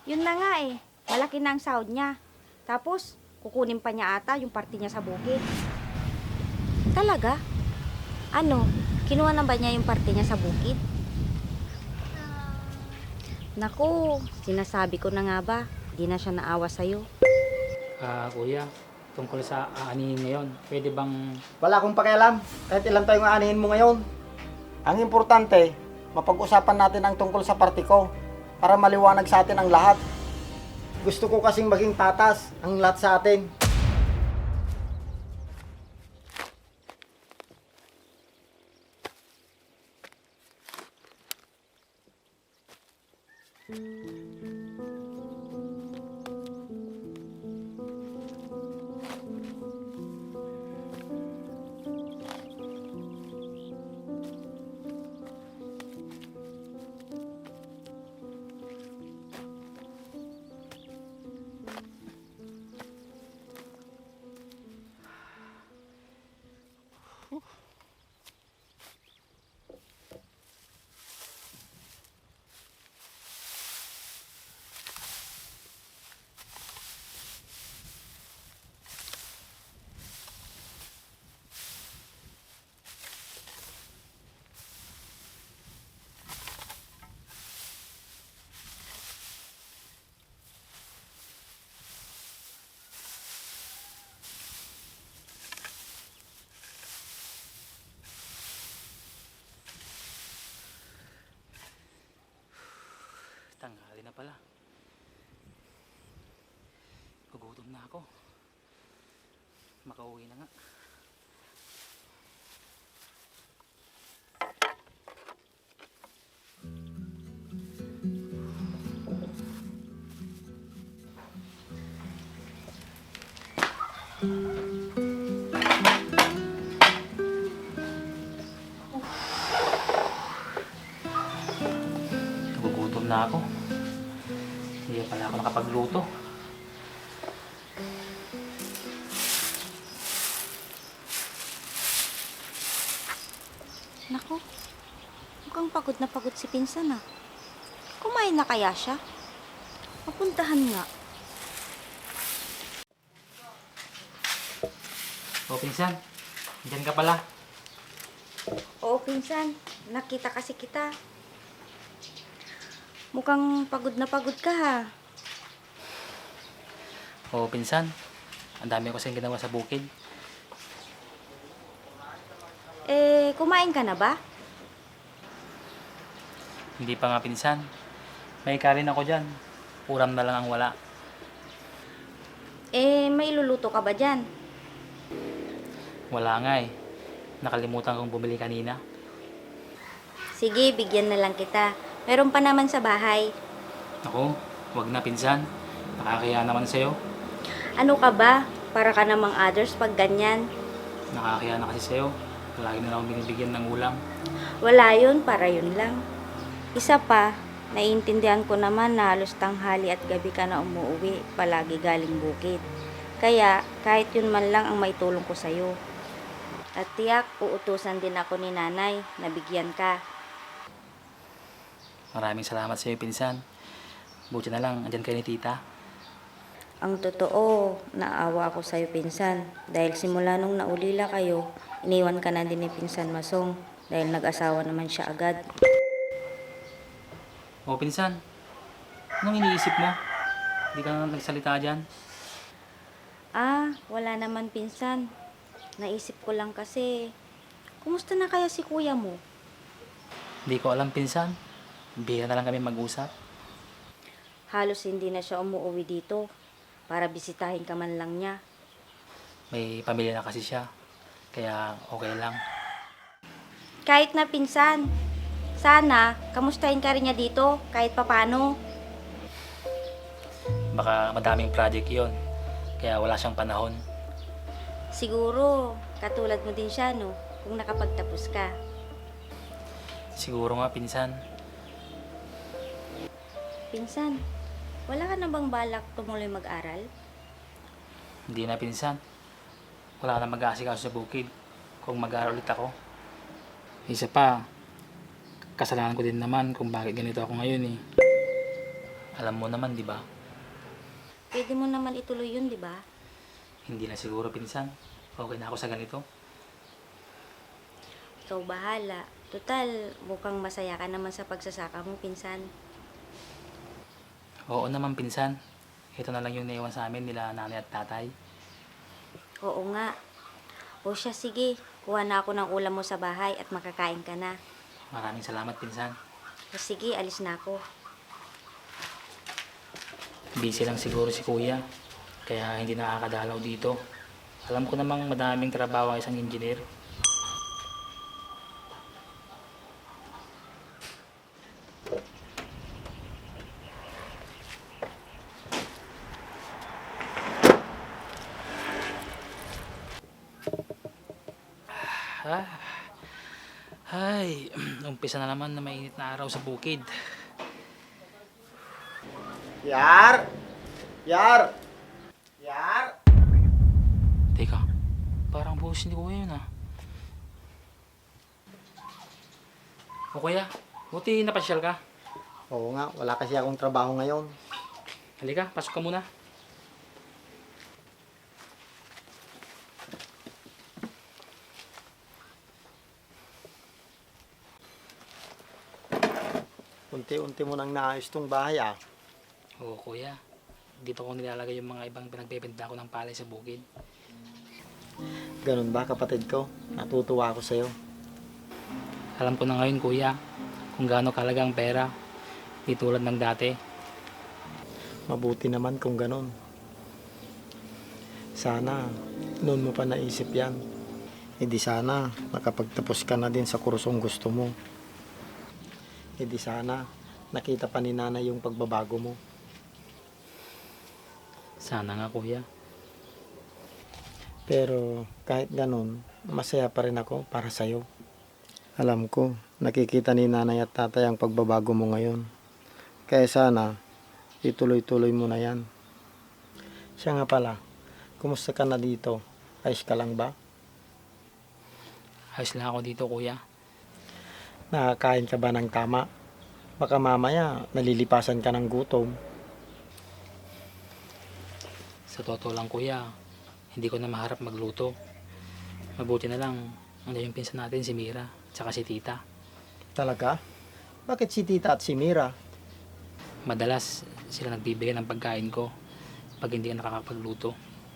Yun na nga eh. Malaki na ang sahod niya. Tapos, kukunin pa niya ata yung parte niya sa bukid. Talaga? Ano? Kinuha na ba niya yung parte niya sa bukid? Naku, sinasabi ko na nga ba, di na siya naawa sa'yo. Kuya, tungkol sa aanihin ngayon, pwede bang... Wala akong pakialam kahit ilan tayong aanihin mo ngayon. Ang importante, mapag-usapan natin ang tungkol sa party ko para maliwanag sa atin ang lahat. Gusto ko kasing maging patas ang lahat sa atin. Tanghali na pala. Gugutom na ako. Makauwi na nga. Gugutom na ako. Hindi pala ako nakapagluto. Naku, mukhang pagod na pagod si Pinsan ah. Kumain na kaya siya? Mapuntahan nga. O pinsan, dyan ka pala. Oo, Pinsan. Nakita kasi kita. Mukhang pagod na pagod ka ha. O pinsan, ang dami ko kasing ginawa sa bukid. Eh, kumain ka na ba? Hindi pa nga pinsan. May karin ako dyan. Ulam na lang ang wala. Eh, may luluto ka ba dyan? Wala nga eh. Nakalimutan kong bumili kanina. Sige, bigyan na lang kita. Meron pa naman sa bahay. Ako, wag na pinsan. Nakakaya naman sa'yo. Ano ka ba? Para ka namang others pag ganyan. Nakakaya na kasi sa'yo. Lagi na lang akong binibigyan ng ulam. Wala yun, para yun lang. Isa pa, naiintindihan ko naman na halos tanghali at gabi ka na umuwi, palagi galing bukid. Kaya, kahit yun man lang ang maitulong ko sa'yo. At tiyak, uutusan din ako ni nanay na bigyan ka. Maraming salamat sa'yo, pinsan. Buti na lang, andyan kayo ni tita. Ang totoo, naawa ako sa'yo, Pinsan. Dahil simula nung naulila kayo, iniwan ka na din ni Pinsan Masong. Dahil nag-asawa naman siya agad. O, pinsan. Anong iniisip mo? Hindi ka na nagsalita dyan? Ah, wala naman, Pinsan. Naisip ko lang kasi, kumusta na kaya si kuya mo? Hindi ko alam, pinsan. Bihira na lang kami mag-usap. Halos hindi na siya umuwi dito para bisitahin ka man lang niya. May pamilya na kasi siya. Kaya okay lang. Kahit na, Pinsan, sana kamustahin ka rin niya dito kahit papano. Baka madaming project yon, kaya wala siyang panahon. Siguro, katulad mo din siya, no? Kung nakapagtapos ka. Siguro nga, pinsan. Pinsan, wala ka na bang balak tumuloy mag-aral? Hindi na, pinsan. Wala na mag-aasikaso sa bukid kung mag-aaral ulit ako. Isa pa, kasalanan ko din naman kung bakit ganito ako ngayon eh. Alam mo naman, di ba? Pwede mo naman ituloy yun, di ba? Hindi na siguro pinsan. Okay na ako sa ganito. Ikaw bahala. Total, mukhang masaya ka naman sa pagsasaka mo, pinsan. Oo naman pinsan. Ito na lang yung naiwan sa amin nila nanay at tatay. Oo nga. O siya, sige. Kuha na ako ng ulam mo sa bahay at makakain ka na. Maraming salamat pinsan. O sige, alis na ako. Busy lang siguro si kuya. Kaya hindi nakakadalaw dito. Alam ko namang madaming trabaho ang isang engineer. Ah, ay, umpisa na naman na mainit na araw sa bukid. Yar! Yar! Yar! Teka, parang buhos ni kuya yun ah. O kuya, buti napasyal ka. Oo nga, wala kasi akong trabaho ngayon. Halika, pasok ka muna. Unti-unti mo nang naayos tong bahay ah. Oo kuya, dito ko nilalagay yung mga ibang pinagbebenta ko ng palay sa bukid. Ganun ba kapatid ko? Natutuwa ako sa'yo. Alam ko na ngayon kuya, kung gaano kalaga ang pera. Di tulad ng dati. Mabuti naman kung ganun. Sana, noon mo pa naisip yan. Hindi sana, nakapagtapos ka na din sa kursong gusto mo. Hindi sana, nakita pa ni nanay yung pagbabago mo. Sana nga kuya. Pero kahit ganun, masaya pa rin ako para sa'yo. Alam ko, nakikita ni nanay at tatay ang pagbabago mo ngayon. Kaya sana, ituloy-tuloy mo na yan. Siya nga pala, kumusta ka na dito? Ayos ka lang ba? Ayos lang ako dito kuya. Nakakain ka ba ng tama? Baka mamaya, nalilipasan ka ng gutom. Sa totoo lang kuya, hindi ko na maharap magluto. Mabuti na lang, nandiyan yung pinsan natin si Mira, tsaka si Tita. Talaga? Bakit si tita at si Mira? Madalas sila nagbibigay ng pagkain ko pag hindi ka nakakapagluto.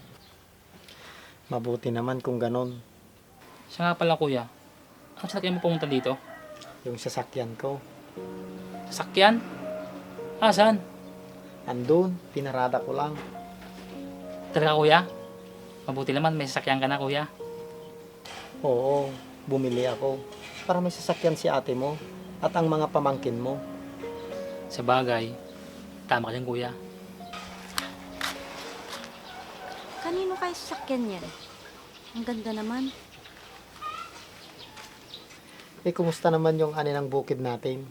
Mabuti naman kung ganon. Siya nga pala kuya, ano sasakyan mo pumunta dito? Yung sasakyan ko. Sasakyan? Ah, saan? Andun, pinarada ko lang. Talaga kuya? Mabuti naman may sasakyan ka na kuya. Oo, bumili ako. Para may sasakyan si ate mo at ang mga pamangkin mo. Sa bagay, tama ka dyan kuya. Kanino kayo sasakyan yan? Ang ganda naman. Eh, kumusta naman yung ani ng bukid natin?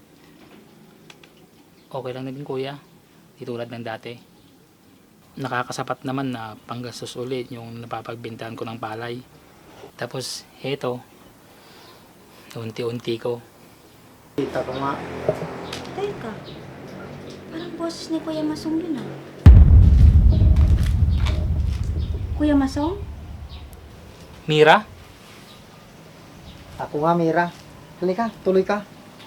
Okay lang na din kuya, di tulad ng dati. Nakakasapat naman na panggastos ulit yung napapagbintahan ko ng palay. Tapos, heto, unti-unti ko. Kita ko nga. Teka, parang boses ni Kuya Masong yun ah. Kuya Masong? Mira? Ako nga, Mira. Halika, tuloy ka.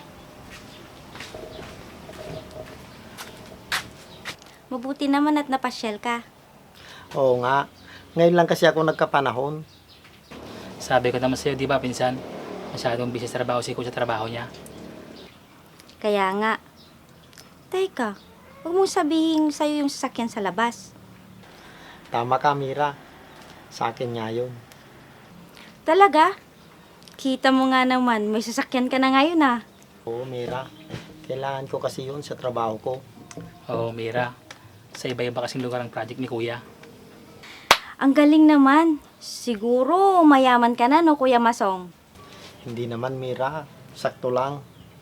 Mabuti naman at napasyal ka. Oo nga. Ngayon lang kasi ako nagkapanahon. Sabi ko naman sa'yo, di ba pinsan? Masyadong busy sa trabaho si Kuya sa trabaho niya. Kaya nga. Teka, huwag mong sabihin sa'yo yung sasakyan sa labas. Tama ka, Mira. Sa akin nga yun. Talaga? Kita mo nga naman, may sasakyan ka na ngayon ah. Oo, Mira. Kailangan ko kasi yun sa trabaho ko. Oo, Mira. Sa iba-iba kasing lugar ang project ni Kuya. Ang galing naman. Siguro mayaman ka na no, Kuya Masong? Hindi naman, Mira. Sakto lang.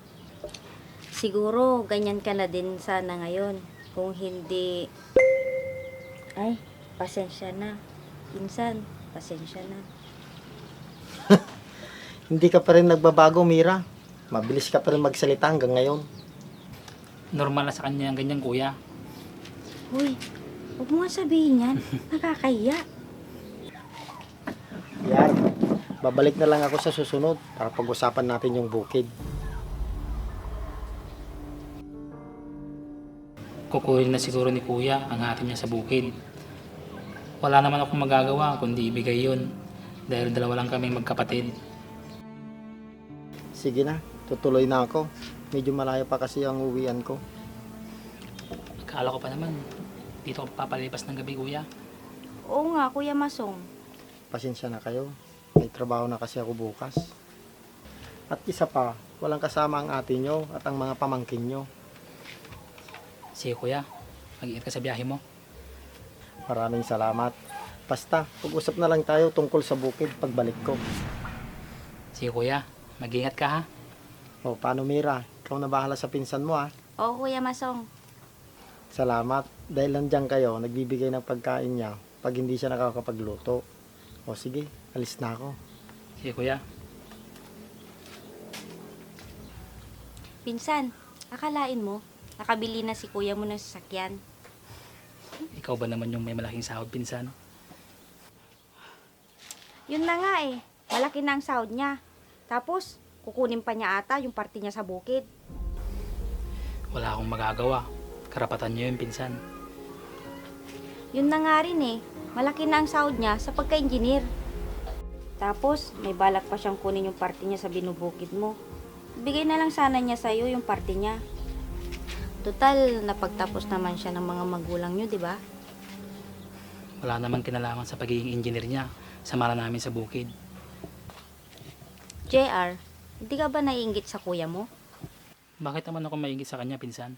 Siguro ganyan ka na din sana ngayon. Kung hindi... Ay, pasensya na. Insan, pasensya na. Hindi ka pa rin nagbabago, Mira. Mabilis ka pa rin magsalita hanggang ngayon. Normal na sa kanya ang ganyan Kuya. Uy, huwag mo nga sabihin yan. Nakakahiya. Yan. Babalik na lang ako sa susunod para pag-usapan natin yung bukid. Kukuhin na siguro ni kuya ang atin niya sa bukid. Wala naman akong magagawa kundi ibigay yun. Dahil dalawa lang kaming magkapatid. Sige na, tutuloy na ako. Medyo malayo pa kasi ang uwian ko. Akala ko pa naman, dito ako papalipas ng gabi kuya. Oo nga, Kuya Masong. Pasensya na kayo. May trabaho na kasi ako bukas. At isa pa, walang kasama ang ate nyo at ang mga pamangkin nyo. Sige kuya, mag-iingat ka sa biyahe mo. Maraming salamat. Basta, pag-usap na lang tayo tungkol sa bukid pagbalik ko. Sige kuya, mag-iingat ka ha. O, paano Mira? Ikaw na bahala sa pinsan mo ha. Oo, Kuya Masong. Salamat. Dahil nandiyan kayo, nagbibigay ng pagkain niya pag hindi siya nakakapagluto. O sige, alis na ako. Sige kuya. Pinsan, akalain mo, nakabili na si kuya mo ng sasakyan. Ikaw ba naman yung may malaking sahod pinsan? Yun na nga eh, malaki na ang sahod niya. Tapos, kukunin pa niya ata yung party niya sa bukid. Wala akong magagawa. Karapatan niyo yun pinsan. Yun na nga rin eh, malaki na ang sahod niya sa pagka-engineer. Tapos, may balak pa siyang kunin yung party niya sa binubukid mo. Bigay na lang sana niya sa'yo yung party niya. Total, napagtapos naman siya ng mga magulang niyo, di ba? Wala namang kinalaman sa pagiging engineer niya. Samara namin sa bukid. JR, hindi ka ba naiinggit sa kuya mo? Bakit naman ako maingit sa kanya pinsan?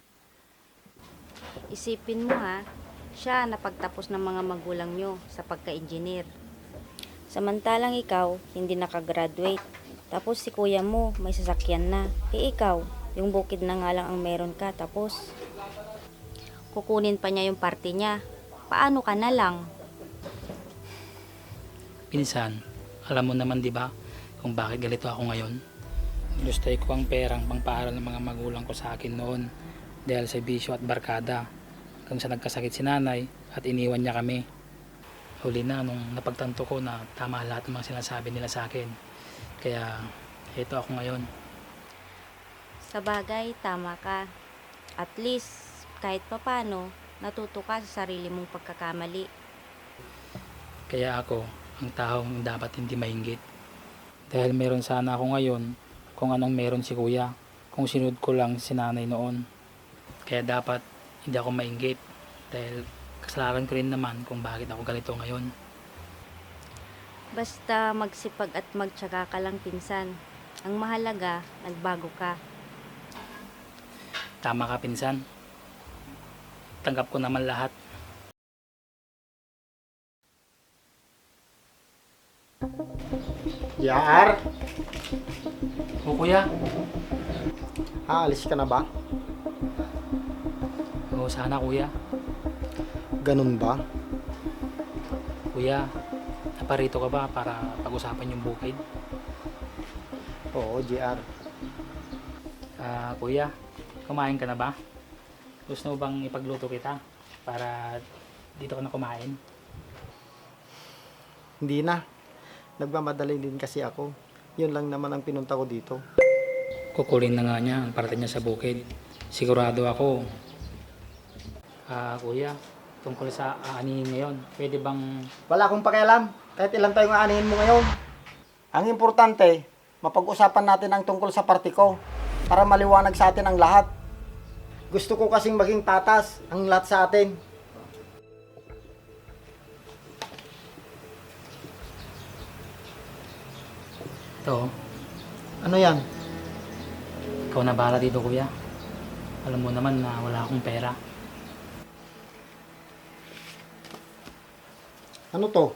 Isipin mo ha, siya napagtapos ng mga magulang nyo sa pagka-engineer. Samantalang ikaw, hindi nakagraduate. Tapos si kuya mo, may sasakyan na. Eh ikaw, yung bukid na nga lang ang meron ka. Tapos, kukunin pa niya yung party niya. Paano ka na lang? Pinsan, alam mo naman di ba kung bakit galito ako ngayon? Gustay ko ang perang pangpaaral ng mga magulang ko sa akin noon dahil sa bisyo at barkada. Kung sa nagkasakit si nanay at iniwan niya kami. Huli na nung napagtanto ko na tama lahat ng mga sinasabi nila sa akin. Kaya ito ako ngayon. Sa bagay, tama ka. At least, kahit papano, natuto ka sa sarili mong pagkakamali. Kaya ako ang taong dapat hindi mainggit. Dahil meron sana ako ngayon kung anong meron si kuya. Kung sinunod ko lang si nanay noon. Kaya dapat hindi ako mainggit. Dahil kasalanan ko rin naman kung bakit ako ganito ngayon. Basta magsipag at magtyaga ka lang pinsan. Ang mahalaga, nagbago ka. Tama ka pinsan. Tanggap ko naman lahat. Yar! O kuya, Aalis ka na ba? o sana kuya. Ganun ba? Kuya, naparito ka ba para pag-usapan yung bukid? Oo, JR. Kuya, kumain ka na ba? Gusto mo bang ipagluto kita para dito ka na kumain? Hindi na. Nagmamadali din kasi ako. Yun lang naman ang pinunta ko dito. Kukulin na nga niya ang parte niya sa bukid. Sigurado ako. Kuya, tungkol sa aanihin ngayon, pwede bang Wala akong pakialam. Kahit ilan tayong aanihin mo ngayon. Ang importante, mapag-usapan natin ang tungkol sa party ko para maliwanag sa atin ang lahat. Gusto ko kasing maging patas ang lahat sa atin. ito, Ano yan? ikaw na bahala dito kuya. Alam mo naman na wala akong pera. Ano to?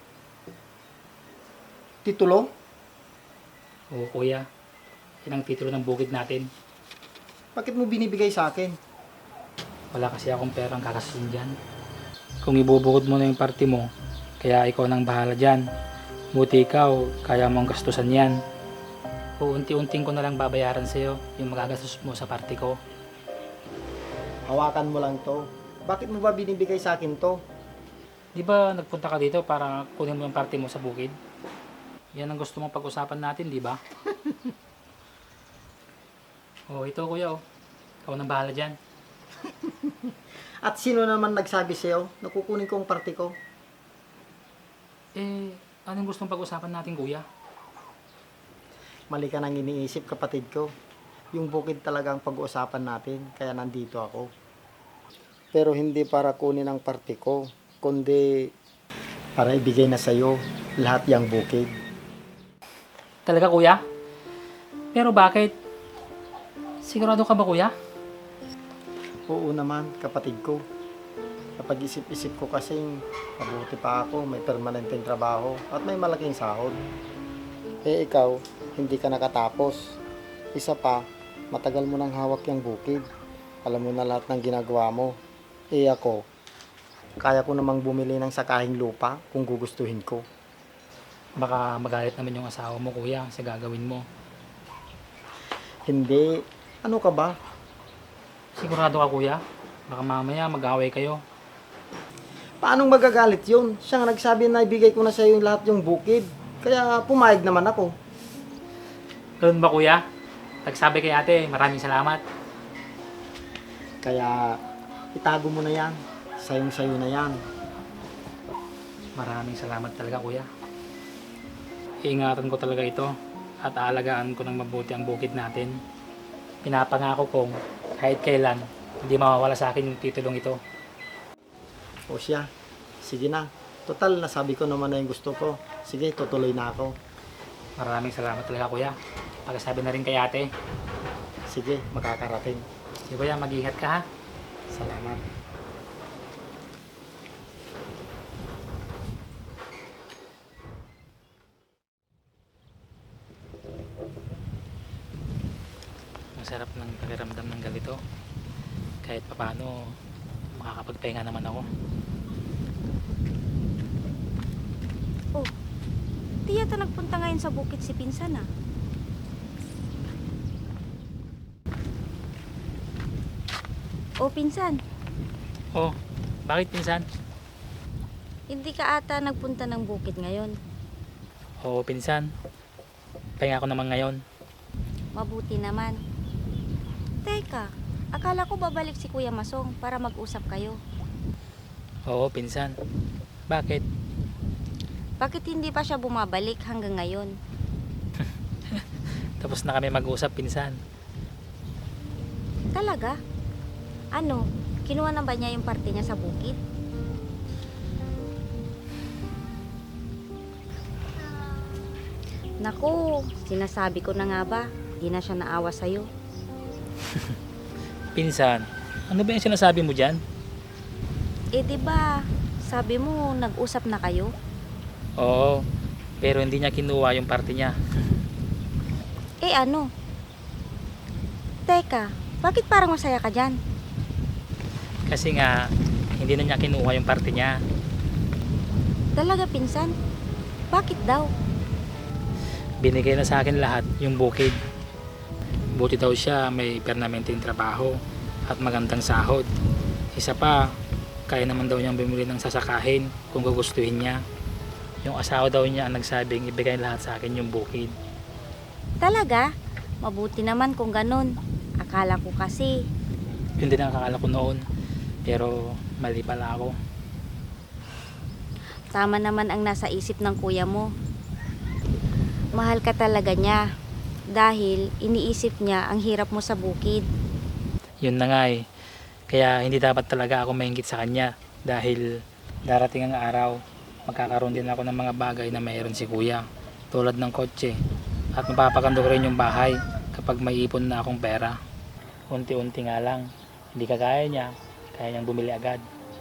Titulo? Oo kuya, yan ang titulo ng bukid natin. Bakit mo binibigay sa akin? Wala kasi akong perang kakasin dyan. Kung ibubukod mo na yung party mo, kaya ikaw nang bahala dyan. Buti ikaw, kaya mong gastusan yan. Unti-unting ko na lang babayaran sa'yo yung magagastos mo sa party ko. Hawakan mo lang to. Bakit mo ba binibigay sa akin to? Di ba nagpunta ka dito para kunin mo yung parte mo sa bukid? Yan ang gusto mong pag-usapan natin, di ba? Oh, ito kuya oh. Ikaw nang bahala dyan. At sino naman nagsabi sa'yo na kukunin ko ang parte ko? Eh, anong gustong pag-usapan natin kuya? Mali ka nang iniisip, kapatid ko. Yung bukid talaga ang pag-uusapan natin, kaya nandito ako. Pero hindi para kunin ang parte ko, kundi para ibigay na sa'yo lahat yung bukid. Talaga kuya? Pero bakit? Sigurado ka ba kuya? Oo naman, kapatid ko. Kapag isip-isip ko kasing mabuti pa ako, may permanenteng trabaho at may malaking sahod. Eh ikaw, hindi ka nakatapos. Isa pa, matagal mo nang hawak yung bukid. Alam mo na lahat ng ginagawa mo. Eh ako, kaya ko namang bumili ng sakahing lupa kung gugustuhin ko. Baka magalit naman yung asawa mo kuya sa gagawin mo. Hindi. Ano ka ba? Sigurado ka kuya? Baka mamaya mag-away kayo. Paanong magagalit yun? Siya nga nagsabi na ibigay ko na sa iyo lahat yung bukid. Kaya pumayag naman ako. Ganun ba kuya? Nagsabi kay ate, maraming salamat. Kaya itago mo na yan. Sayong-sayo na yan. Maraming salamat talaga kuya. Iingatan ko talaga ito at aalagaan ko ng mabuti ang bukid natin. Pinapangako kong kahit kailan hindi mawawala sa akin yung titulong ito. O siya, sige na. Total, nasabi ko naman na yung gusto ko. Sige, tutuloy na ako. Maraming salamat talaga kuya. Pagkasabi na rin kay ate. Sige, makakarating. Sige kuya, mag-ingat ka ha. Salamat. Ang sarap ng pakiramdam ng ganito. Kahit papano, makakapagpahinga naman ako. Oh, di yata nagpunta ngayon sa bukid si Pinsan ah. Oh, Pinsan, Oh, bakit pinsan? hindi ka ata nagpunta ng bukid ngayon. Oo pinsan. Pahinga ko naman ngayon. Mabuti naman. Teka, akala ko babalik si Kuya Masong para mag-usap kayo. Oo pinsan. Bakit? Bakit hindi pa siya bumabalik hanggang ngayon? Tapos na kami mag-usap pinsan. Talaga? Ano, kinuha na ba niya yung parte niya sa bukid? Naku, sinasabi ko na nga ba, di na siya naawa sa'yo. Pinsan, ano ba yung sinasabi mo dyan? Eh di ba, sabi mo nag-usap na kayo? Oo, pero hindi niya kinuha yung parte niya. Eh ano? Teka, bakit parang masaya ka dyan? Kasi nga, hindi na niya kinuha yung parte niya. Talaga Pinsan? Bakit daw? Binigay na sa akin lahat yung bukid. Buti daw siya may permanenteng trabaho at magandang sahod. Isa pa, kaya naman daw niyang bumili ng sasakahin kung gugustuhin niya. Yung asawa daw niya ang nagsabing ibigay lahat sa akin yung bukid. Talaga? Mabuti naman kung ganun. Akala ko kasi, Yun din ang akala ko noon. Pero mali pala ako. tama naman ang nasa isip ng kuya mo. Mahal ka talaga niya. Dahil iniisip niya ang hirap mo sa bukid. Yun na nga eh. Kaya hindi dapat talaga ako maingit sa kanya. Dahil darating ang araw, magkakaroon din ako ng mga bagay na mayroon si kuya. Tulad ng kotse. At mapapaganda ko rin yung bahay kapag may ipon na akong pera. Unti-unti nga lang. Hindi kagaya niya. Kaya niyang bumili agad.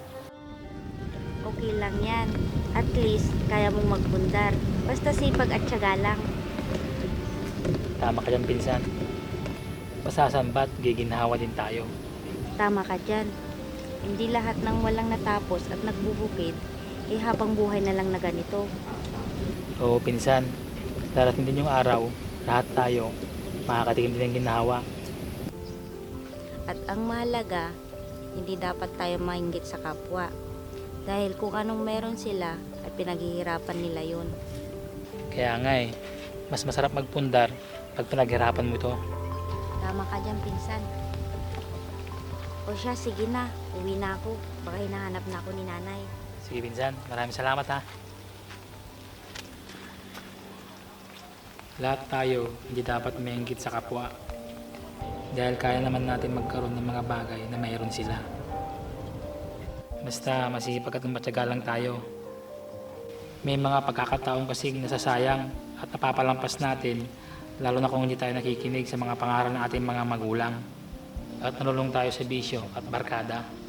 Okay lang yan. At least, kaya mong magbundar. Basta sipag at tiyaga lang. Tama ka dyan pinsan. Masasambat, giginhawa din tayo. Tama ka dyan. Hindi lahat ng walang natapos at nagbubukid, eh habang buhay na lang na ganito. Oo pinsan. Darating din yung araw, lahat tayo makakatikim din ng ginhawa. At ang mahalaga, hindi dapat tayo mainggit sa kapwa. Dahil kung anong meron sila, ay pinaghihirapan nila yun. Kaya nga eh, mas masarap magpundar pag pinaghirapan mo ito. Tama ka dyan, pinsan. O siya, sige na. Uwi na ako. Baka hinahanap na ako ni nanay. Sige pinsan, maraming salamat ha. Lahat tayo hindi dapat mainggit sa kapwa. Dahil kaya naman natin magkaroon ng mga bagay na mayroon sila. Basta masipag at matyaga lang tayo. May mga pagkakataon kasing nasasayang at napapalampas natin, lalo na kung hindi tayo nakikinig sa mga pangaral ng ating mga magulang at nalulung tayo sa bisyo at barkada.